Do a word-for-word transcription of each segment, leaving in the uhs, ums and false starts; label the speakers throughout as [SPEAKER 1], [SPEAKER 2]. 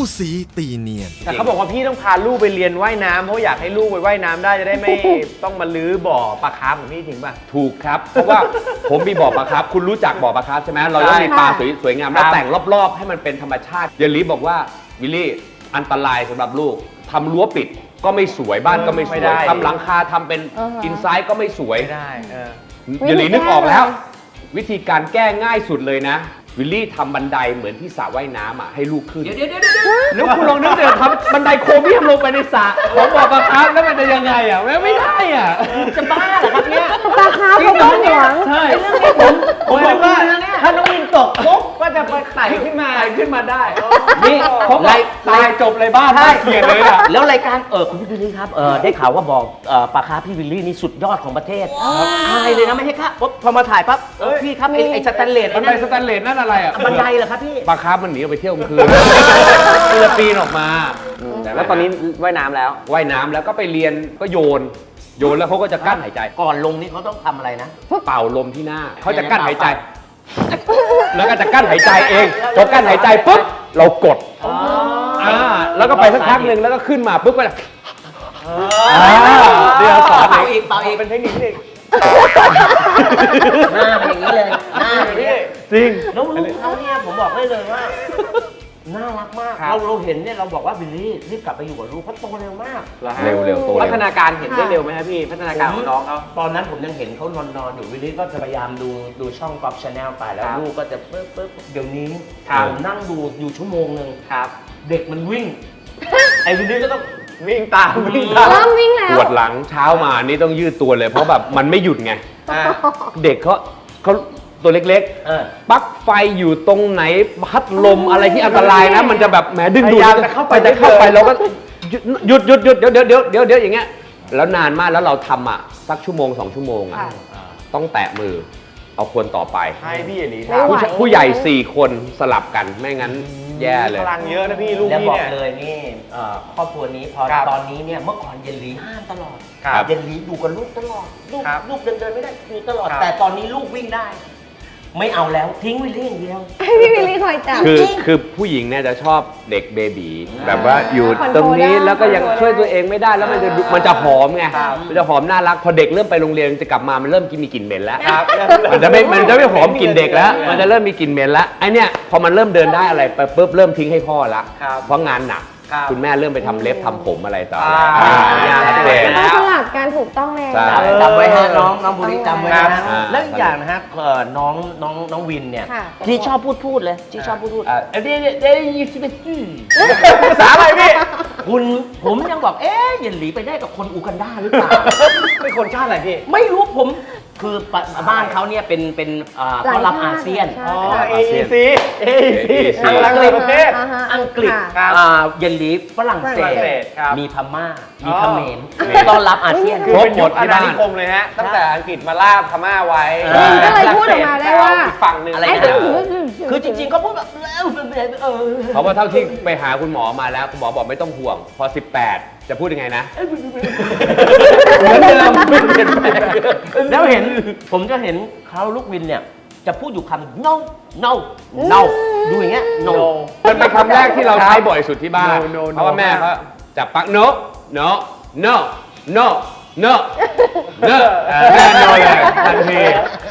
[SPEAKER 1] สีตีเนียน
[SPEAKER 2] แต่เขาบอกว่าพี่ต้องพาลูกไปเรียนว่ายน้ำเพราะอยากให้ลูกไปว่ายน้ำได้จะได้ไม่ ต้องมาลื้อบ่อปลาคาร์ฟของพี่จริงป่ะ
[SPEAKER 3] ถูกครับเพราะว่าผมมีบ่อปลาคาร์ฟคุณรู้จักบ่อปลาคาร์ฟใช่ไหมเราต้องมีปลาสวยๆงามแล้วแต่งรอบๆให้มันเป็นธรรมชาติเยลลี่บอกว่าวิลลี่อันตรายสำหรับลูกทำรั้วปิดก็ไม่สวยบ้านก็ไม่สวยทำหลังคาทำเป็นอินไซด์ก็ไม่สวย
[SPEAKER 2] ได้
[SPEAKER 3] เยลลี่นึกออกแล้ววิธีการแก้ง่ายสุดเลยนะวิลลี่ทำบันไดเหมือนที่สระว่ายน้ำอ่ะให้ลูกขึ้นเดี๋ยวเดี๋ยวเดี๋ยวแล้วคุณลองนึกเดี๋ยวทำบันไดโครเมียมลงไปในสระของบ่อปลาคาร์ฟแล้วมันจะยังไงอ่ะไม่ได้อ่ะ
[SPEAKER 2] จะบ้าเหรอครับเนี่ย
[SPEAKER 4] ปลาคาร์ฟเขาต้องหวง
[SPEAKER 2] ใช่เรื่องนี้ผมผมบอกว่าถ้าน้องวินตกปุ๊บก็จะไปไต่ขึ้นมาขึ้นมาได้
[SPEAKER 3] นี่เขาไล่ตายจบเลยบ้านน่าเกลียดเลยอ่ะ
[SPEAKER 5] แล้วรายการเออคุณพี่วิลลี่ครับเออได้ข่าวว่าบอกปลาคาร์ฟพี่วิลลี่นี่สุดยอดของประเทศอายเลยนะไม่ใช่ครับพอมาถ่ายปั๊บพี่ครับไอ้สแตนเลส
[SPEAKER 3] บันไดสแตนเลสนั่นอะไรอ่ะ
[SPEAKER 5] บันไดเหรอครับพี่
[SPEAKER 3] ปลาคาร์ฟมันหนีออกไปเที่ยวกลางคืนฟิลิปปินส์ออกมา
[SPEAKER 2] แล้วตอนนี้ว่ายน้ำแล้ว
[SPEAKER 3] ว่ายน้ำแล้วก็ไปเรียนก็โยนโยนแล้วเขาก็จะกั้นหายใจ
[SPEAKER 5] ก่อนลงนี่เขาต้องทำอะไรนะ
[SPEAKER 3] เป่าลมที่หน้าเขาจะกั้นหายใจแล้วก็จะกั้นหายใจเองพอกั้นหายใจปุ๊บเรากดอ่าแล้วก็ไปสักพักหนึ่งแล้วก็ขึ้นมาปุ๊บก็จะ
[SPEAKER 5] เดี๋ยวสอนเป่าอีกเป่าอีก
[SPEAKER 2] เป็นเทคนิคนี่
[SPEAKER 5] หน้าเป็นอย่างนี้เลยหน้าอย่างนี้
[SPEAKER 3] จริง
[SPEAKER 5] แล้วลูกเขาเนี่ยผมบอกได้เลยว่าน่ารักมากเราเราเห็นเนี่ยเราบอกว่าวิลลี่รีบกลับไปอยู่กับลูกเขาโตเร็วมาก
[SPEAKER 3] เร็วเร็วโต
[SPEAKER 2] พัฒนาการเห็นได้เร็วไหมครับพี่พัฒนาการของน้องเขา
[SPEAKER 5] ตอนนั้นผมยังเห็นเขานอนนอนอยู่วิลลี่ก็จะพยายามดูดูช่องกอล์ฟชาแนลไปแล้วลูกก็จะปึ๊บปึ๊บเดี๋ยวนี้ผมนั่งดูอยู่ชั่วโมงหนึ่งเด็กมันวิ่งไอ้วิลลี่ก็ต้อง
[SPEAKER 2] วิ่งตาม
[SPEAKER 4] วิ่งตามวิ่งแล้ว
[SPEAKER 3] ปวดหลังเช้ามานี่ต้องยืดตัวเลยเพราะแบบมันไม่หยุดไงเด็กเขาเขาตัวเล็กๆปลั๊กไฟอยู่ตรงไหนพัดลมอะไรที่อันตรายนะมันจะแบบแหมดึงดูดจะเข้าไปจะเข้าไปเราก็หยุดหยุดหยุดเดี๋ยวเดี๋ยวเดี๋ยวเดี๋ยวเดี๋ยวอย่างเงี้ยแล้วนานมากแล้วเราทำอ่ะสักชั่วโมงสองชั่วโมงอ่ะต้องแตะมือเอาคนต่อไป
[SPEAKER 2] ให้พี่อย่างนี้
[SPEAKER 3] ผู้ใหญ่สี่คนสลับกันไม่งั้นแย่เลย
[SPEAKER 2] พลังเยอะนะพี่ลูก
[SPEAKER 5] พี่เนี่ยแล้วบอกเลยนี่ครอบครัวนี้พอตอนนี้เนี่ยเมื่อก่อนเยลลี่ห้ามตลอดเยลลี่อยู่กับลูกตลอดลูกลูกเดินเดินไม่ได้อยู่ตลอดแต่ตอนนี้ลูกวิ่งได้ไม่เอาแล้วทิ้งวิลลี่อย่างเดียว
[SPEAKER 4] ให้พี่วิลลี่คอยจับ
[SPEAKER 3] คือคือผู้หญิงเนี่ยจะชอบเด็กเบบีแบบว่าอยู่ตรงนี้แล้วก็ยังช่วยตัวเองไม่ได้แล้วมันจะมันจะหอมไงมันจะหอมน่ารักพอเด็กเริ่มไปโรงเรียนจะกลับมามันเริ่มกินมีกลิ่นเหม็นแล้วมันจะไม่มันจะไม่หอมกลิ่นเด็กแล้วมันจะเริ่มมีกลิ่นเหม็นแล้วไอเนี้ยพอมันเริ่มเดินได้อะไรไปปุ๊บเริ่มทิ้งให้พ่อละเพราะงานหนักคุณแม่เริ่มไปทำเล็บทำผมอะไรต่อ
[SPEAKER 4] ต้องสลับการถูกต้องเลย
[SPEAKER 5] จำไว้ฮะน้องน้องบุรีจำไว้นะแล้วอีกอย่างนะฮะน้องน้องน้องวินเนี่ยที่ชอบพูดพูดเลยที่ชอบพูดพูดเดี๋ยวเดี๋ยวยี่สิบเอ็ด
[SPEAKER 2] ภาษาอะไรพี่
[SPEAKER 5] คุณผมยังบอกเอ๊ะเยลลี่ไปได้กับคนอูกันดาหรือเปล่า
[SPEAKER 2] เป็นคนชาติอะไรพี่
[SPEAKER 5] ไม่รู้ผมคือบ้านเขาเนี่ยเป็นเป็นเขารับอาเซียน
[SPEAKER 2] อ๋อ เอ อี ซี เอ อี ซี อังกฤษประเทศ
[SPEAKER 5] อังกฤษเยลลี่ฝรั่งเศสมีพม่ามีเขมรต้อนรับอาเซียน
[SPEAKER 2] คือเป็นยุคอาณานิคมเลยฮะตั้งแต่อังกฤษมาล่าพม่าไว้
[SPEAKER 4] ก็เลยพูดออกมาได้ว่า
[SPEAKER 2] ฝั่งหนึ่ง
[SPEAKER 5] อะไรนะคือจริงๆเขาพูดแบบ
[SPEAKER 3] เพราะว่าเท่าที่ไปหาคุณหมอมาแล้วคุณหมอบอกไม่ต้องห่วงพอสิบแปดจะพูดยังไงนะเหมือนเดิมไม่เปลี่ยนแปลง
[SPEAKER 5] แล้วเห็นผมจะเห็นเขาลูกวินเนี่ยจะพูดอยู่คำ no no no ดูอย่างเงี้ย no
[SPEAKER 3] มันเป็นคำแรกที่เราใช้บ่อยสุดที่บ้านเพราะว่าแม่เขาจับปัก no no no no no no แม่โนเลยทันที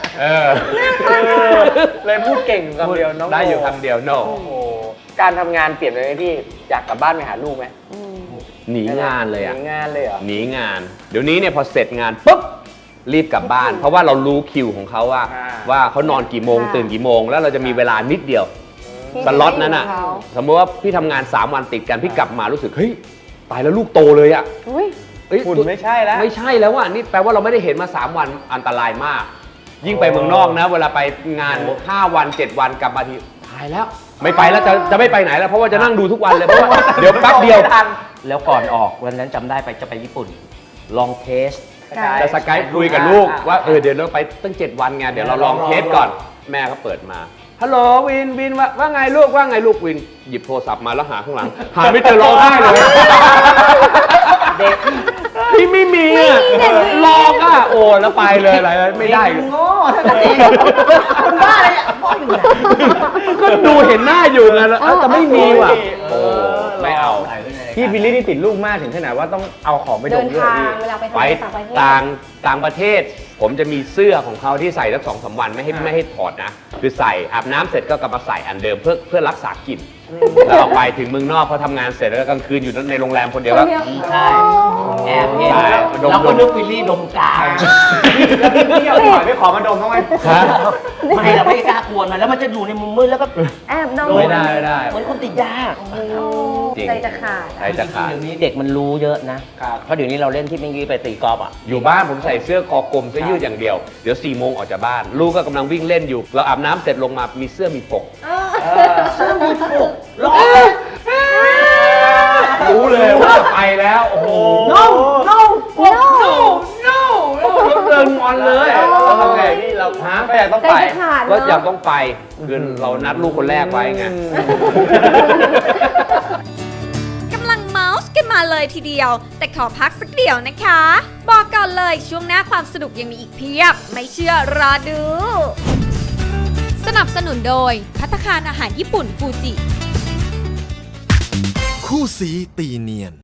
[SPEAKER 2] เลยพูดเก่งคำเดียวน้อง
[SPEAKER 3] ได้อยู่คำเดียว no
[SPEAKER 2] การทำงานเปลี่ยนไปไหมพี่อยากกลับบ้านไปหาลูกไหม
[SPEAKER 3] หนีงานเลยอ่ะ
[SPEAKER 2] หนีงานเลยเหรอ
[SPEAKER 3] หนีงานเดี๋ยวนี้เนี่ยพอเสร็จงานปุ๊บรีบกลับบ้านเพราะว่าเรารู้คิวของเขาว่าว่าเขานอนกี่โมงตื่นกี่โมงแล้วเราจะมีเวลานิดเดียวสล็อตนั้นอ่ะสมมติว่าพี่ทำงานสามวันติดกันพี่กลับมารู้สึกเฮ้ยตายแล้วลูกโตเลยอ่ะ
[SPEAKER 2] คุณไม่ใช่แล้ว
[SPEAKER 3] ไม่ใช่แล้วอ่ะนี่แปลว่าเราไม่ได้เห็นมาสามวันอันตรายมากยิ่งไปเมืองนอกนะเวลาไปงานห้าวันเจ็ดวันกลับมาทีตายแล้วไม่ไปแล้วจะจะไม่ไปไหนแล้วเพราะว่าจะนั่งดูทุกวันเลยเพราะว่าเดี๋ยวแป๊บเดียว
[SPEAKER 5] แล้วก่อนออกวันนั้นจำได้ไปจะไปญี่ปุ่นลองเทส
[SPEAKER 3] จะสกายคุยกับลูกว่าเออเดี๋ยวเราไปตั้งเจ็ดวันไงเดี๋ยวเราลองเทสก่อนแม่เขาเปิดมาฮัลโหลวินวินว่าว่าไงลูกว่าไงลูกวินหยิบโทรศัพท์มาแล้วหาข้างหลังหาไม่เจอร้องไห้เลยเด็กพี่ไม่มีอ่ะลอกอ่ะโอ้แล้วไปเลยอะไรไม่ได้
[SPEAKER 5] โง่ทั้งนั้นคนบ้าอะไรอ่ะพ่ออยู่ไหน
[SPEAKER 3] ก็ดูเห็นหน้าอยู่ไงแล้วแต่ไม่มีว่ะ
[SPEAKER 2] โอ้
[SPEAKER 3] ไม่เอา
[SPEAKER 5] ใส่ไว้ในรายการ
[SPEAKER 2] พี่บิลลี่นี่ติดลูกมากถึงขนาดว่าต้องเอาของไปด
[SPEAKER 4] เดิ
[SPEAKER 2] ม
[SPEAKER 4] น
[SPEAKER 2] ด้วยเหรอ
[SPEAKER 4] ทาง
[SPEAKER 2] พี่
[SPEAKER 4] เวลาไป
[SPEAKER 3] ไป
[SPEAKER 4] ทำงานต่างประเทศ
[SPEAKER 3] ต่างต่างประเทศ ผมจะมีเสื้อของเขาที่ใส่สักสองสามวันไม่ให้
[SPEAKER 2] อ่า
[SPEAKER 3] ไม่ให้ถอดนะ คือใส่อาบน้ำเสร็จก็กลับมาใส่อันเดิมเพื่อเพื่อรักษากลิ่นแล้วเอาไปถึงเมืองนอกพอทำงานเสร็จแล้วกลางคืนอยู่ในโรงแรมคนเดียว
[SPEAKER 4] ค
[SPEAKER 3] ก็
[SPEAKER 4] นเดียว
[SPEAKER 5] ใช่แอบเห็น
[SPEAKER 3] ใช่
[SPEAKER 5] แล้ว
[SPEAKER 3] ดม
[SPEAKER 5] เราก็นึกวิลลี่ดมกาว
[SPEAKER 2] แล้วพี่พี่เอาหอยไปขอมาดมบ้างไหม
[SPEAKER 5] ไม่เราไม่กล้ากวนมันแล้วมันจะอยู่ในมุมมืดแล้วก็
[SPEAKER 4] แอบดม
[SPEAKER 3] ไม่ได้ไม่ได้
[SPEAKER 5] เหมือนคนติดยา
[SPEAKER 4] โอ้
[SPEAKER 3] จริง
[SPEAKER 4] ใจจะขาด
[SPEAKER 3] ใช่จะขาด
[SPEAKER 5] เดี๋ยวนี้เด็กมันรู้เยอะนะ เพราะเดี๋ยวนี้เราเล่นที่เมื่อกี้ไปตีกอล์ฟอ่ะ
[SPEAKER 3] อยู่บ้านผมใส่เสื้อคอกลมเสื้อยืดอย่างเดียว เดี๋ยวสี่โมงออกจากบ้าน ลูกก็กำลังวิ่งเล่นอยู่ เราอาบน้ำเสร็จลงมามีเสื้อมีปก
[SPEAKER 5] ร้อง
[SPEAKER 3] รู้เลยว่าไปแล้ว โอ้โห
[SPEAKER 5] no no
[SPEAKER 4] no
[SPEAKER 3] no แล้วเดินงอนเลย
[SPEAKER 2] เราทำไงพี่เรา
[SPEAKER 3] ฮะ
[SPEAKER 2] ก็ยังต้อง
[SPEAKER 4] ใจ
[SPEAKER 2] ไป
[SPEAKER 4] จะขาด
[SPEAKER 3] ก็
[SPEAKER 4] เนอะ
[SPEAKER 3] อยากต้องไปคือเรานัดลูกคนแรกไว้ไง
[SPEAKER 1] กำลังเมาส์กันมาเลยทีเดียว แต่ขอพักสักเดียวนะคะ บอกก่อนเลยช่วงหน้าความสนุกยังมีอีกเพียบ ไม่เชื่อรอดู สนับสนุนโดยภัตตาคารอาหารญี่ปุ่นฟูจิ
[SPEAKER 6] คู่สีตีเนียน